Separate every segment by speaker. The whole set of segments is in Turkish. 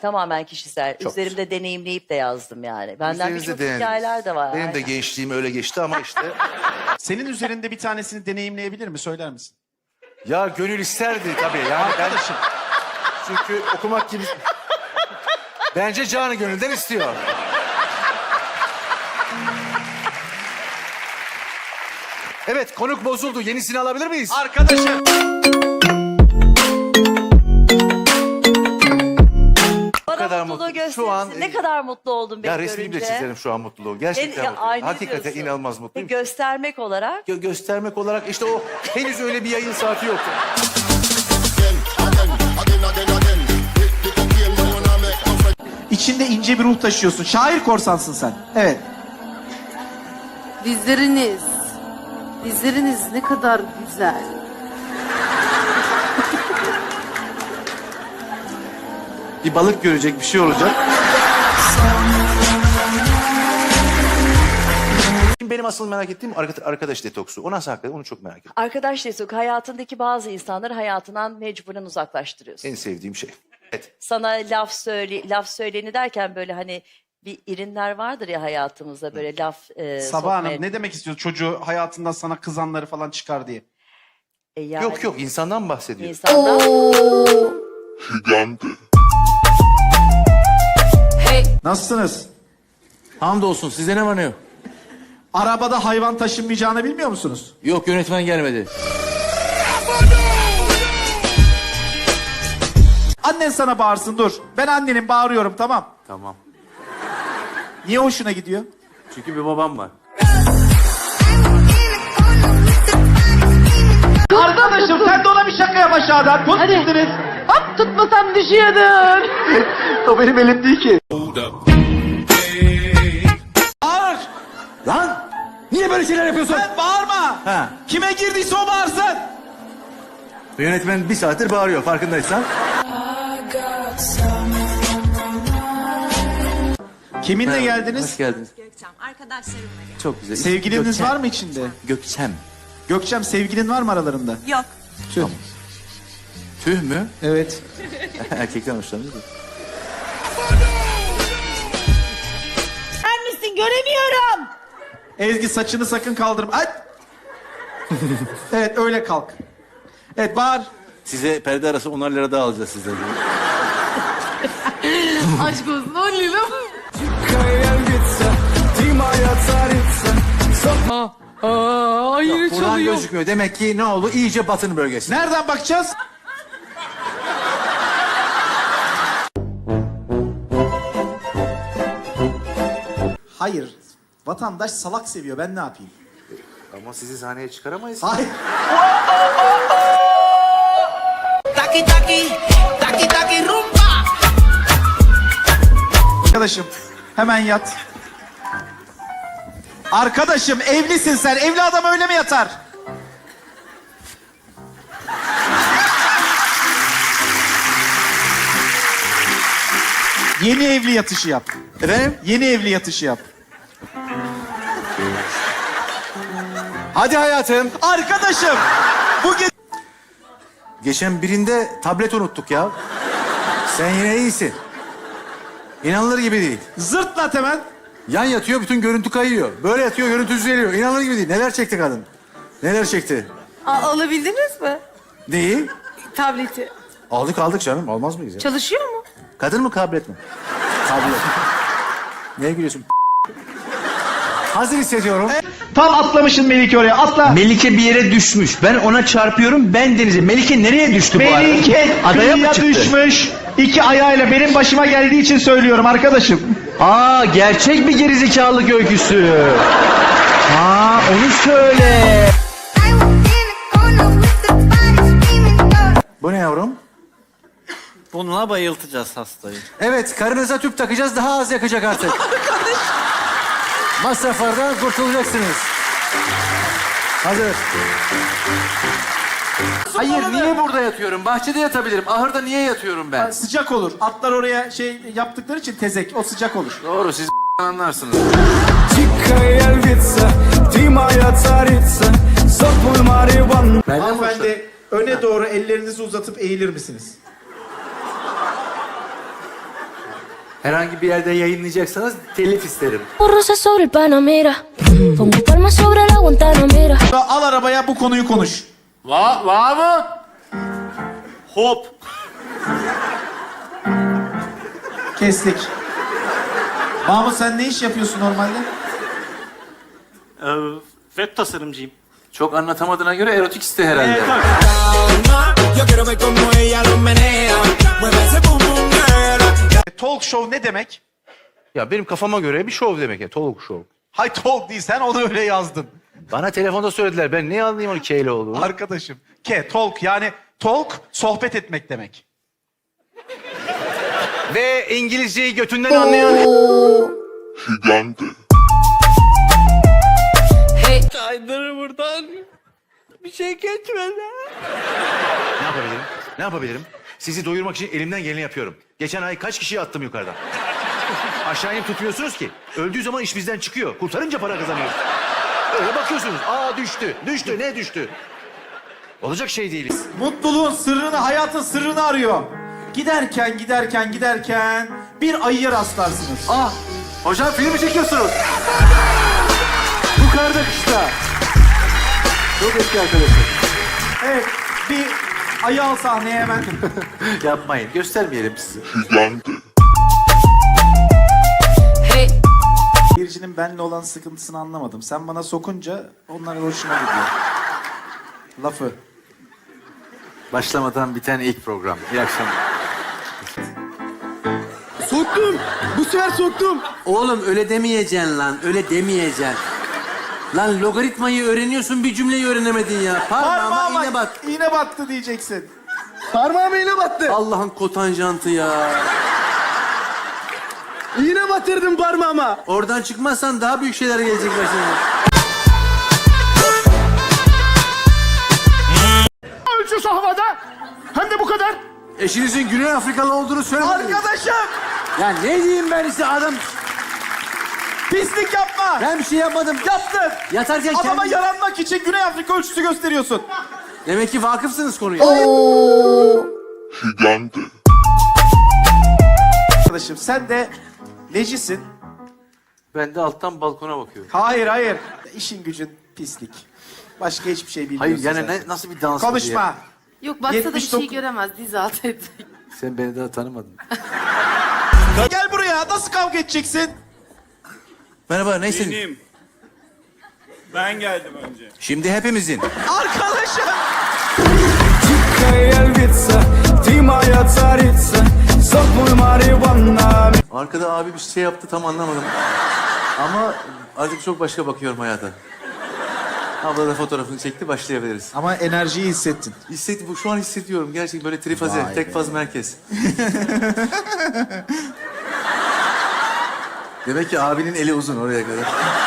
Speaker 1: Tamamen kişisel.
Speaker 2: Çok
Speaker 1: Üzerimde deneyimleyip de yazdım yani. Benden
Speaker 2: Üzerinizde
Speaker 1: birçok
Speaker 2: denediniz.
Speaker 1: hikayeler de var.
Speaker 2: Benim de
Speaker 1: Aynen.
Speaker 2: gençliğim öyle geçti ama işte.
Speaker 3: Senin üzerinde bir tanesini deneyimleyebilir mi? Söyler misin?
Speaker 2: Ya gönül isterdi tabii. Yani
Speaker 3: Arkadaşım.
Speaker 2: çünkü okumak gibi... Bence canı gönülden istiyor. Evet, konuk bozuldu. Yenisini alabilir miyiz?
Speaker 3: Arkadaşım.
Speaker 1: Bana
Speaker 2: kadar
Speaker 1: mutluluğu
Speaker 2: mutlu.
Speaker 1: gösterirsin.
Speaker 2: Şu an-
Speaker 1: Ne kadar mutlu oldum beni
Speaker 2: Ya
Speaker 1: görünce.
Speaker 2: resmini bile çizerim şu an mutluluğu. Gerçekten
Speaker 1: Ya,
Speaker 2: mutluyum.
Speaker 1: ay, ne
Speaker 2: Hakikaten
Speaker 1: diyorsun?
Speaker 2: inanılmaz mutluyum.
Speaker 1: Göstermek olarak.
Speaker 2: Göstermek olarak işte o henüz öyle bir yayın saati yoktu.
Speaker 3: İçinde ince bir ruh taşıyorsun. Şair korsansın sen. Evet.
Speaker 4: Dizleriniz. Dizleriniz ne kadar güzel.
Speaker 2: Bir balık görecek, bir şey olacak. Şimdi benim asıl merak ettiğim arkadaş detoksu. O nasıl hakikaten? Onu çok merak ediyorum.
Speaker 1: Arkadaş destek hayatındaki bazı insanları hayatından mecburen uzaklaştırıyorsun.
Speaker 2: En sevdiğim şey. Evet.
Speaker 1: Sana laf söyleni derken böyle hani bir irinler vardır ya hayatımızda böyle laf
Speaker 3: Sabah Hanım
Speaker 1: sokmaya.
Speaker 3: ne demek istiyor? Çocuğu hayatından sana kızanları falan çıkar diye.
Speaker 1: Yani
Speaker 2: Yok insandan bahsediyor.
Speaker 1: insanlar
Speaker 3: Nasılsınız?
Speaker 5: Hamdolsun size ne var ne yok?
Speaker 3: Arabada hayvan taşınmayacağını bilmiyor musunuz?
Speaker 5: Yok yönetmen gelmedi.
Speaker 3: Annen sana bağırsın dur. Ben annenin bağırıyorum tamam.
Speaker 5: Tamam.
Speaker 3: Niye hoşuna gidiyor?
Speaker 5: Çünkü bir babam var.
Speaker 3: Arkadaşım sen de ona bir şaka yap aşağıdan. Tut gittiniz.
Speaker 4: Hop tutmasam düşüyordun.
Speaker 3: O benim elim değil ki. Bağır.
Speaker 5: Lan! Niye böyle şeyler yapıyorsun?
Speaker 3: Sen bağırma.
Speaker 5: Ha.
Speaker 3: Kime girdiyse o bağırsın.
Speaker 2: Yönetmen bir saattir bağırıyor farkındaysan.
Speaker 3: Kiminle geldiniz?
Speaker 5: Hoş geldiniz.
Speaker 6: Gökçem, arkadaşlarımla gel.
Speaker 5: Çok güzel.
Speaker 3: Sevgiliniz
Speaker 5: Gökçem.
Speaker 3: var mı içinde?
Speaker 5: Gökçem.
Speaker 3: Gökçem sevgilin var mı aralarında?
Speaker 6: Yok.
Speaker 3: Tüh.
Speaker 5: Tüh mü?
Speaker 3: Evet.
Speaker 5: Erkekten hoşlanıyor da.
Speaker 6: Sen misin? Göremiyorum.
Speaker 3: Ezgi saçını sakın kaldırma. Ay! Evet öyle kalk. Evet bağır.
Speaker 5: Size perde arası 10'ar lira daha alacağız sizden.
Speaker 4: Aşk olsun 10 lira. Hayır
Speaker 2: Buradan gözükmüyor. Demek ki ne oldu? İyice batın bölgesi.
Speaker 3: Nereden bakacağız? Hayır. Vatandaş salak seviyor. Ben ne yapayım?
Speaker 2: Ama sizi sahneye çıkaramayız.
Speaker 3: Hayır.
Speaker 6: Taki taki, taki taki rumba.
Speaker 3: Arkadaşım hemen yat. Arkadaşım evlisin sen. Evli adam öyle mi yatar? Yeni evli yatışı yap.
Speaker 2: Efendim?
Speaker 3: Yeni evli yatışı yap.
Speaker 2: Hadi hayatım.
Speaker 3: Arkadaşım bu
Speaker 2: Geçen birinde tablet unuttuk ya. Sen yine iyisin. İnanılır gibi değil.
Speaker 3: zırtlat hemen.
Speaker 2: Yan yatıyor, bütün görüntü kayıyor. Böyle yatıyor, görüntü düzeliyor. İnanılır gibi değil. Neler çekti kadın? Neler çekti?
Speaker 4: Alabildiniz mi?
Speaker 2: Neyi?
Speaker 4: Tableti.
Speaker 2: Aldık canım. Almaz mıyız ya?
Speaker 4: Çalışıyor mu?
Speaker 2: Kadın mı, tablet mi? Tablet. Neye gülüyorsun? Hazır hissediyorum.
Speaker 3: Tam atlamışsın Melike oraya. Atla.
Speaker 7: Melike bir yere düşmüş. Ben ona çarpıyorum. Ben denize. Melike nereye düştü bu arada?
Speaker 3: Melike
Speaker 7: Adaya mı
Speaker 3: kıyıya
Speaker 7: çıktı?
Speaker 3: düşmüş. İki ayağıyla benim başıma geldiği için söylüyorum arkadaşım.
Speaker 7: Aa, gerçek bir gerizekalılık öyküsü. Aa, onu söyle.
Speaker 2: Bu ne yavrum?
Speaker 8: Bununla bayıltacağız hastayı.
Speaker 2: Evet, karınıza tüp takacağız. Daha az yakacak artık. Masraflardan kurtulacaksınız. Hazır. Hayır, niye burada yatıyorum? Bahçede yatabilirim. Ahırda niye yatıyorum ben?
Speaker 3: Sıcak olur. Atlar oraya şey yaptıkları için tezek. O sıcak olur.
Speaker 2: Doğru, siz anlarsınız.
Speaker 3: Hanımefendi öne doğru ellerinizi uzatıp eğilir misiniz?
Speaker 5: Herhangi bir yerde yayınlayacaksanız telif isterim.
Speaker 9: Rosas sobre el Panamera, pongo palmas sobre la Guantanamera.
Speaker 3: Al arabaya bu konuyu konuş.
Speaker 8: Var mı? Hop.
Speaker 3: Kestik. Mahmut sen ne iş yapıyorsun normalde?
Speaker 8: Web tasarımcıyım.
Speaker 5: Çok anlatamadığına göre erotik iste herhalde.
Speaker 6: Yo quiero ver cómo ella lo menea. Mueve ese bum bum girl.
Speaker 3: Talk show ne demek?
Speaker 7: Ya benim kafama göre bir şov demek ya. Talk show.
Speaker 3: Hay talk değil, sen onu öyle yazdın.
Speaker 7: Bana telefonda söylediler. Ben ne anlayayım onu keyle olduğunu.
Speaker 3: Arkadaşım. Talk yani talk sohbet etmek demek.
Speaker 7: Ve İngilizceyi götünden anlayan...
Speaker 8: Kaydır buradan. Bir şey geçmedi.
Speaker 7: Ne yapabilirim? Ne yapabilirim? Sizi doyurmak için elimden geleni yapıyorum. Geçen ay kaç kişiyi attım yukarıdan? Aşağı inip tutmuyorsunuz ki. Öldüğü zaman iş bizden çıkıyor. Kurtarınca para kazanıyoruz. Öyle bakıyorsunuz. Aa düştü. Düştü. Ne düştü? Olacak şey değiliz.
Speaker 3: Mutluluğun sırrını, hayatın sırrını arıyor. Giderken bir ayıya rastlarsınız.
Speaker 5: Ah! Hocam film mi çekiyorsunuz? Bu karda kışta. Çok eski arkadaşım.
Speaker 3: Evet, bir ayı al sahneye hemen.
Speaker 5: Yapmayın. Göstermeyelim sizi.
Speaker 3: Biricinin benimle olan sıkıntısını anlamadım. Sen bana sokunca onlar hoşuma gidiyor. Lafı.
Speaker 5: Başlamadan biten ilk program. İyi akşamlar.
Speaker 10: Soktum. Bu sefer soktum. Oğlum öyle demeyeceksin lan. Öyle demeyeceksin. Lan logaritmayı öğreniyorsun, bir cümleyi öğrenemedin ya. Parmağıma iğne bat.
Speaker 3: İğne battı diyeceksin.
Speaker 10: Parmağıma iğne battı. Allah'ın kotanjantı ya. İğne batırdım parmağıma. Oradan çıkmazsan daha büyük şeyler gelecek başına.
Speaker 7: Ölçüsü havada. Hem de bu kadar.
Speaker 10: Eşinizin Güney Afrikalı olduğunu söylemediniz.
Speaker 3: Arkadaşım!
Speaker 10: Ya ne diyeyim ben size adam...
Speaker 3: Pislik yapma!
Speaker 10: Ben bir şey yapmadım.
Speaker 3: Yaptın!
Speaker 10: Yatarken
Speaker 3: Adama
Speaker 10: kendi...
Speaker 3: yaranmak için Güney Afrika ölçüsü gösteriyorsun.
Speaker 10: Demek ki vakıfsınız konuya.
Speaker 3: Arkadaşım sen de lecisin.
Speaker 5: Ben de alttan balkona bakıyorum.
Speaker 3: Hayır. İşin gücün pislik. Başka hiçbir şey bilmiyorsun
Speaker 5: Hayır yani
Speaker 3: zaten.
Speaker 5: nasıl bir dans bu diye.
Speaker 3: Konuşma.
Speaker 4: Yok baksa da bir
Speaker 3: 79
Speaker 4: şey göremez. Diz altı edecek.
Speaker 5: Sen beni daha tanımadın.
Speaker 3: Gel buraya. Nasıl kavga edeceksin?
Speaker 2: Merhaba, neysin?
Speaker 8: Ben geldim önce.
Speaker 2: Şimdi hepimizin.
Speaker 3: Arkadaşım!
Speaker 5: Arkada abi bir şey yaptı tam anlamadım. Ama artık çok başka bakıyorum hayata. Abla da fotoğrafını çekti, başlayabiliriz.
Speaker 3: Ama enerjiyi hissettin.
Speaker 5: Bu şu an hissediyorum gerçekten böyle trifaze,
Speaker 3: Vay
Speaker 5: tek
Speaker 3: be.
Speaker 5: faz merkez. Demek ki abinin eli uzun oraya kadar.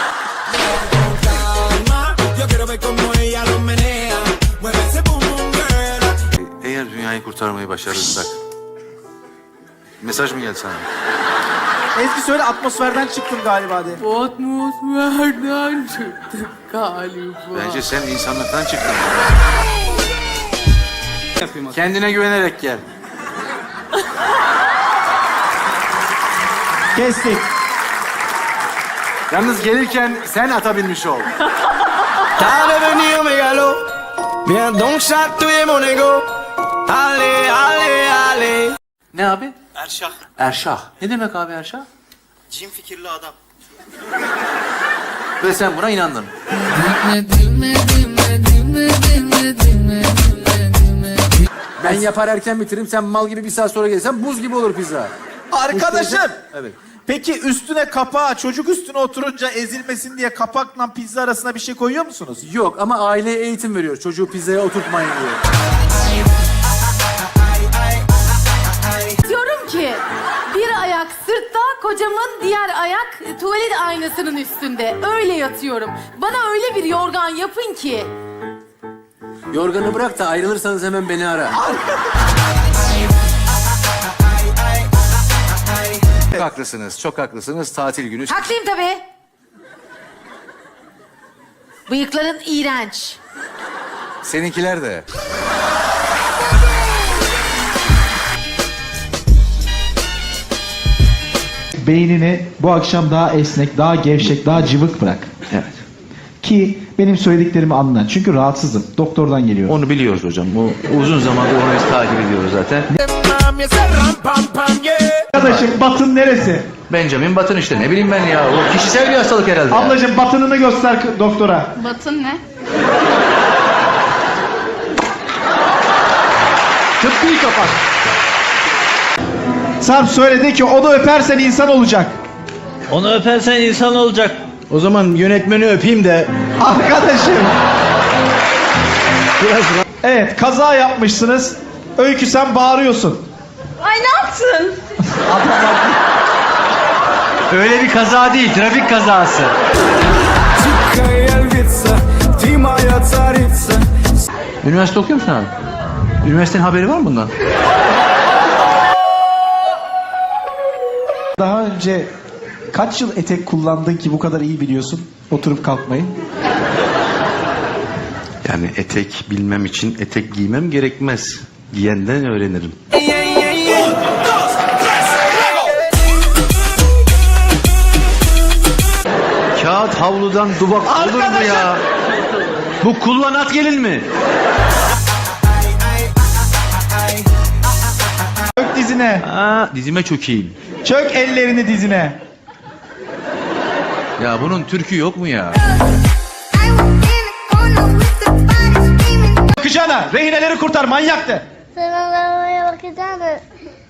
Speaker 6: Yo quiero ver cómo ella lo menea. Mueve ese bum bum girl.
Speaker 5: Eğer dünyayı kurtarmayı başarırsak... Mesaj mı geldi sana?
Speaker 3: Ezgi söyle, atmosferden çıktım galiba de.
Speaker 4: Atmosferden çıktık galiba.
Speaker 5: Bence sen insanlıktan çıktın. Kendine güvenerek gel.
Speaker 3: Kestik.
Speaker 5: Yalnız gelirken sen ata binmiş ol.
Speaker 6: Dale venido megalo. Mira don't shot tu monego. Ale ale ale.
Speaker 5: Ne abi?
Speaker 8: Erşah.
Speaker 5: Erşah. Ne demek abi Erşah?
Speaker 8: Cin fikirli adam.
Speaker 5: Ve sen buna inandın.
Speaker 10: Ben yapar erken bitiririm. Sen mal gibi bir saat sonra gelirsen buz gibi olur pizza.
Speaker 3: Arkadaşım!
Speaker 10: Evet.
Speaker 3: Peki üstüne kapağı, çocuk üstüne oturunca ezilmesin diye kapakla pizza arasına bir şey koyuyor musunuz?
Speaker 10: Yok ama aileye eğitim veriyor. Çocuğu pizzaya oturtmayın diyor.
Speaker 4: Diyorum ki bir ayak sırtta, kocamın diğer ayak tuvalet aynasının üstünde. Öyle yatıyorum. Bana öyle bir yorgan yapın ki.
Speaker 10: Yorganı bırak da ayrılırsanız hemen beni ara.
Speaker 2: Çok haklısınız, çok haklısınız. Tatil günü.
Speaker 4: Haklıyım tabii. Bıyıkların iğrenç.
Speaker 2: Seninkiler de.
Speaker 11: beynini bu akşam daha esnek, daha gevşek, daha cıvık bırak.
Speaker 7: Evet.
Speaker 11: Ki benim söylediklerimi anla. Çünkü rahatsızım. Doktordan geliyorum.
Speaker 7: Onu biliyoruz hocam. O uzun zamandır onu biz takip ediyoruz zaten.
Speaker 6: Mami, ese ram pam pam yeah.
Speaker 11: Arkadaşım batın neresi?
Speaker 7: Benjamin Button işte ne bileyim ben ya. O kişisel bir hastalık herhalde. ya.
Speaker 11: Ablacığım batınını göster doktora.
Speaker 4: Batın ne?
Speaker 11: Tıbbi kapat. Sarp söyledi ki onu öpersen insan olacak.
Speaker 8: Onu öpersen insan olacak.
Speaker 7: O zaman yönetmeni öpeyim de.
Speaker 11: Arkadaşım. Evet kaza yapmışsınız. Öykü sen bağırıyorsun.
Speaker 4: Ay ne yaptın?
Speaker 7: Öyle bir kaza değil, trafik kazası. Üniversite okuyor musun abi? Üniversitenin haberi var mı bundan?
Speaker 11: Daha önce kaç yıl etek kullandın ki bu kadar iyi biliyorsun oturup kalkmayı?
Speaker 7: Yani etek bilmem için etek giymem gerekmez. Giyenden öğrenirim. Kağıt havludan duvak olur mu ya? Bu kullanat gelin mi?
Speaker 11: Çök dizine.
Speaker 7: Aa, dizime çökeyim.
Speaker 11: Çök ellerini dizine.
Speaker 7: Ya bunun türkü yok mu ya?
Speaker 11: Bakacağına rehineleri kurtar manyaktı.
Speaker 9: Sen arabaya bakacağını.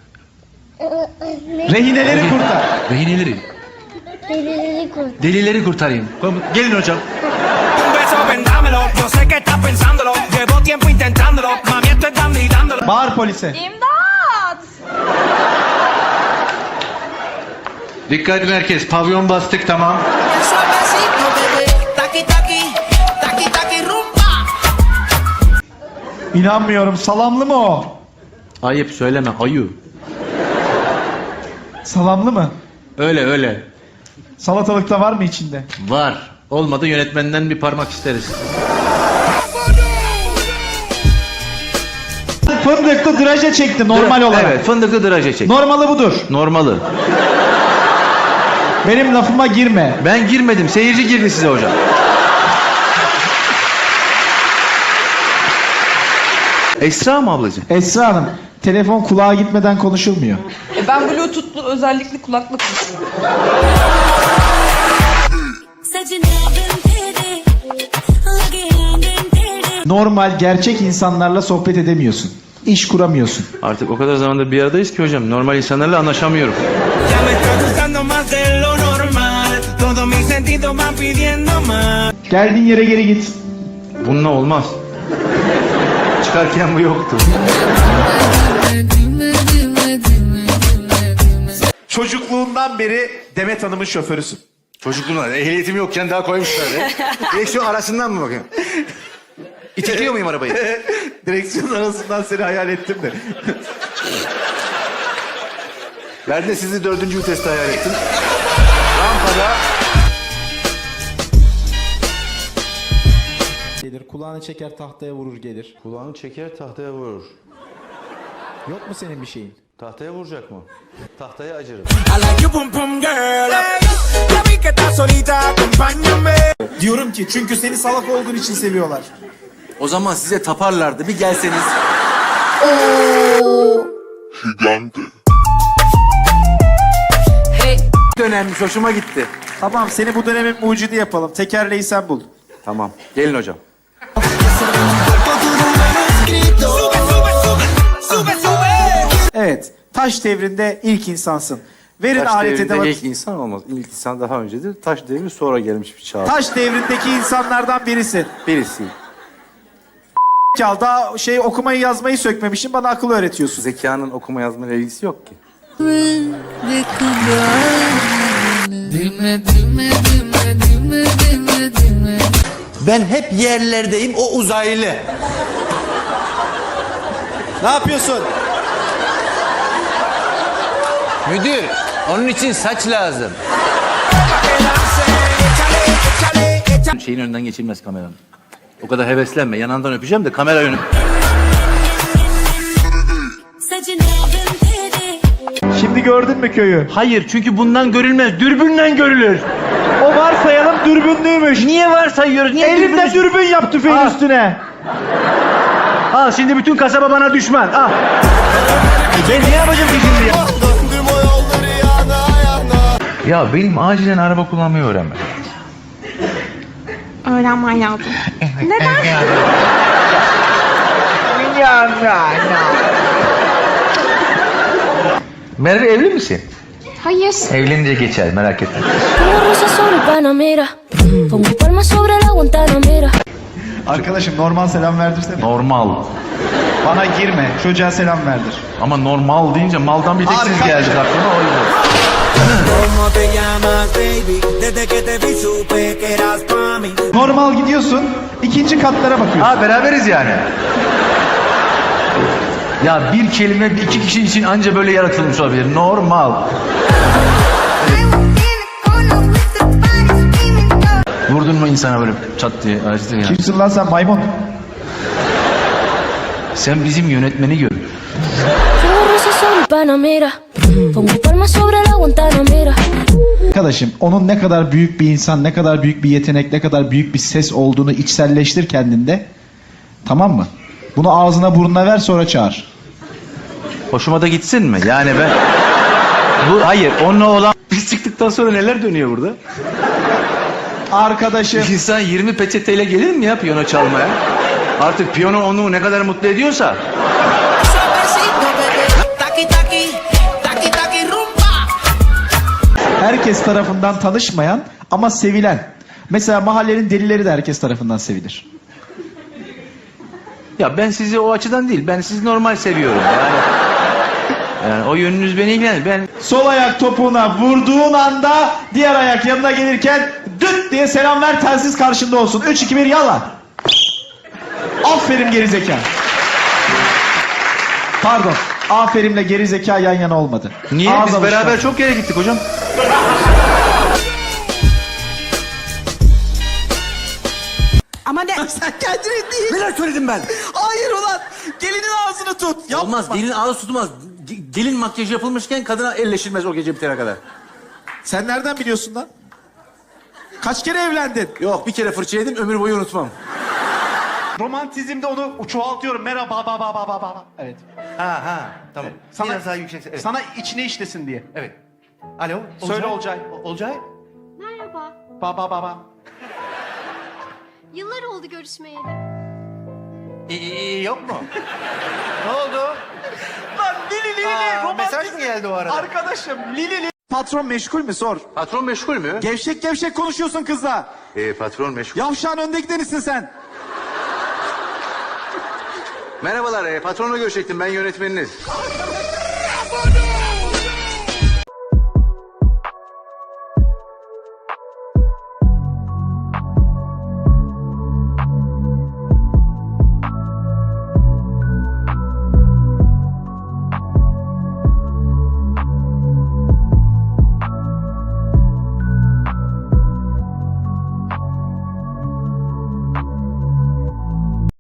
Speaker 11: Rehineleri kurtar.
Speaker 7: Rehineleri,
Speaker 9: Delileri kurt.
Speaker 7: delileri kurtarayım. Gelin hocam.
Speaker 6: Un beso, vendámelo. Yo sé que estás pensándolo. Llevo tiempo intentándolo. Mami, esto es dando y dándolo.
Speaker 11: Bağır polise.
Speaker 4: İmdat!
Speaker 7: Dikkat edin herkes. Pavyon bastık tamam.
Speaker 6: Suavecito, bebé. Taqui, taqui. Taqui, taqui, rumba.
Speaker 11: İnanmıyorum salamlı mı o?
Speaker 7: Ayıp söyleme ayı.
Speaker 11: Salamlı mı?
Speaker 7: Öyle öyle.
Speaker 11: Salatalıkta var mı içinde?
Speaker 7: Var. Olmadı yönetmenden bir parmak isteriz.
Speaker 11: Fındıklı draje çekti normal olarak.
Speaker 7: Evet fındıklı draje çek.
Speaker 11: Normalı budur.
Speaker 7: Normalı.
Speaker 11: Benim lafıma girme.
Speaker 7: Ben girmedim. Seyirci girdi size hocam. Esra mı ablacığım?
Speaker 11: Esra Hanım, telefon kulağa gitmeden konuşulmuyor.
Speaker 4: Ben Bluetooth'lu özellikli kulaklık
Speaker 11: Normal, gerçek insanlarla sohbet edemiyorsun. İş kuramıyorsun.
Speaker 7: Artık o kadar zamandır bir aradayız ki hocam. Normal insanlarla anlaşamıyorum.
Speaker 6: Ya me está gustando más de lo normal. Todos mis sentidos van pidiendo más.
Speaker 11: Geldiğin yere geri git.
Speaker 7: Bununla olmaz. Çıkarken bu yoktu.
Speaker 11: Çocukluğundan beri Demet Hanım'ın şoförüsün.
Speaker 7: Çocukluğumda ehliyetim yokken daha koymuşlar. Direksiyon arasından mı bakayım? İtekliyor muyum arabayı?
Speaker 11: Direksiyon arasından seni hayal ettim de.
Speaker 7: Ben de sizi 4. viteste hayal ettim. Rampada.
Speaker 3: Gelir kulağını çeker tahtaya vurur gelir.
Speaker 7: Kulağını çeker tahtaya vurur.
Speaker 3: Yok mu senin bir şeyin?
Speaker 7: Tahtaya vuracak mı? Tahtaya acırım.
Speaker 6: I like you, pum pum girl. Ya vi que estás solita, acompáñame.
Speaker 3: Diyorum ki çünkü seni salak olduğun için seviyorlar.
Speaker 5: O zaman size taparlardı. Bir gelseniz. Dönemmiş. Hoşuma gitti.
Speaker 3: Tamam seni bu dönemin mucidi yapalım. Tekerleği sen bul.
Speaker 5: Tamam. Gelin hocam.
Speaker 6: Sube, sube.
Speaker 3: Evet. Taş devrinde ilk insansın. Verin
Speaker 5: Taş
Speaker 3: alet
Speaker 5: devrinde
Speaker 3: edevat.
Speaker 5: ilk insan olmaz. İlk insan daha öncedir. Taş devri sonra gelmiş bir çağ.
Speaker 3: Taş devrindeki insanlardan birisin.
Speaker 5: Birisi.
Speaker 3: Kal daha okumayı yazmayı sökmemişsin bana akıl öğretiyorsun.
Speaker 5: Zekanın okuma yazmayla ilgisi yok ki.
Speaker 10: Ben hep yerlerdeyim, o uzaylı. Ne yapıyorsun? Müdür, onun için saç lazım.
Speaker 7: Şeyin önünden geçilmez kameranın. O kadar heveslenme. Yanından öpeceğim de kamera önüm.
Speaker 11: Şimdi gördün mü köyü?
Speaker 7: Hayır, çünkü bundan görülmez. Dürbünden görülür.
Speaker 11: O varsayalım dürbünlüymüş.
Speaker 7: Niye varsayıyoruz? Niye
Speaker 11: Elinde dürbün yap tüfeğin
Speaker 7: Al.
Speaker 11: üstüne.
Speaker 7: Al şimdi bütün kasaba bana düşman. Al. Ben ne yapacağım ki şimdi ya? Ya benim acilen araba kullanmayı öğrenmem.
Speaker 4: Öğrenmen lazım.
Speaker 7: Merve evli misin?
Speaker 4: Hayır.
Speaker 7: Evlenince geçer, merak etme.
Speaker 9: Pongo rosas sobre Panamera. Pongo palmas sobre la Guantanamera.
Speaker 11: Arkadaşım normal selam verdirsene.
Speaker 7: Normal.
Speaker 11: Bana girme. Çocuğa selam verdir.
Speaker 7: Ama normal deyince maldan bir tek siz geldik aklıma, o yüzden.
Speaker 6: ¿Cómo te llamas, baby? Desde que te vi supe que eras pa' mí.
Speaker 11: Normal gidiyorsun. İkinci katlara bakıyorsun.
Speaker 7: Ha, beraberiz yani. Ya bir kelime iki kişi için anca böyle yaratılmış olabilir. Normal. Vurdun mu insana böyle çat diye acıdı ya.
Speaker 11: Kimsin lan sen maymun?
Speaker 7: Sen bizim yönetmeni gör.
Speaker 9: Pongo rosas sobre Panamera. Pongo palmas sobre la Guantanamera.
Speaker 11: Arkadaşım onun ne kadar büyük bir insan, ne kadar büyük bir yetenek, ne kadar büyük bir ses olduğunu içselleştir kendinde. Tamam mı? Bunu ağzına burnuna ver sonra çağır.
Speaker 7: Hoşuma da gitsin mi? Yani ben... Hayır, onunla olan... Biz çıktıktan sonra neler dönüyor burada?
Speaker 11: Arkadaşım.
Speaker 7: İnsan 20 peçeteyle gelir mi ya piyano çalmaya? Artık piyano onu ne kadar mutlu ediyorsa...
Speaker 6: Taqui, taqui, taqui, taqui, rumba.
Speaker 11: Herkes tarafından tanışmayan ama sevilen. Mesela mahallenin delileri de herkes tarafından sevilir.
Speaker 7: Ya ben sizi o açıdan değil, ben sizi normal seviyorum. Yani o yönünüz beni ilgilenir. Ben
Speaker 11: Sol ayak topuğuna vurduğun anda diğer ayak yanına gelirken düt diye selam ver, telsiz karşında olsun. 3, 2, 1 yallah. Aferin gerizeka. Pardon. Aferinle gerizeka yan yana olmadı.
Speaker 7: niye?
Speaker 11: Ağız
Speaker 7: Biz
Speaker 11: alışkanlığı.
Speaker 7: beraber çok yere gittik hocam.
Speaker 3: Ama ne? Sen kendini değil.
Speaker 10: Neler söyledim ben?
Speaker 3: Hayır ulan. Gelinin ağzını tut. Yapma.
Speaker 10: Olmaz, gelin ağzı tutmaz. Gelin makyajı yapılmışken kadına elleşilmez o gece bitene kadar.
Speaker 3: Sen nereden biliyorsun lan? Kaç kere evlendin?
Speaker 10: Yok, bir kere fırça yedim, ömür boyu unutmam.
Speaker 11: Romantizmde onu çoğaltıyorum. Merhaba ba. Evet.
Speaker 7: Ha, tamam.
Speaker 11: Sana,
Speaker 7: Biraz daha yüksek. Evet.
Speaker 11: Sana içine işlesin diye.
Speaker 7: Evet. Alo.
Speaker 11: Söyle Olcay.
Speaker 7: Olcay.
Speaker 12: Merhaba.
Speaker 11: Ba.
Speaker 12: Yıllar oldu görüşmeyeli.
Speaker 7: Yok mu? Ne oldu?
Speaker 11: Lan Lili
Speaker 7: Mesaj mı geldi o arada?
Speaker 11: Arkadaşım Lili. Patron meşgul mü sor.
Speaker 7: Patron meşgul mü?
Speaker 11: Gevşek konuşuyorsun kızla.
Speaker 7: Patron meşgul.
Speaker 11: Yavşağın önde gidenisin sen.
Speaker 7: Merhabalar, patronla görüşecektim, ben yönetmeniniz.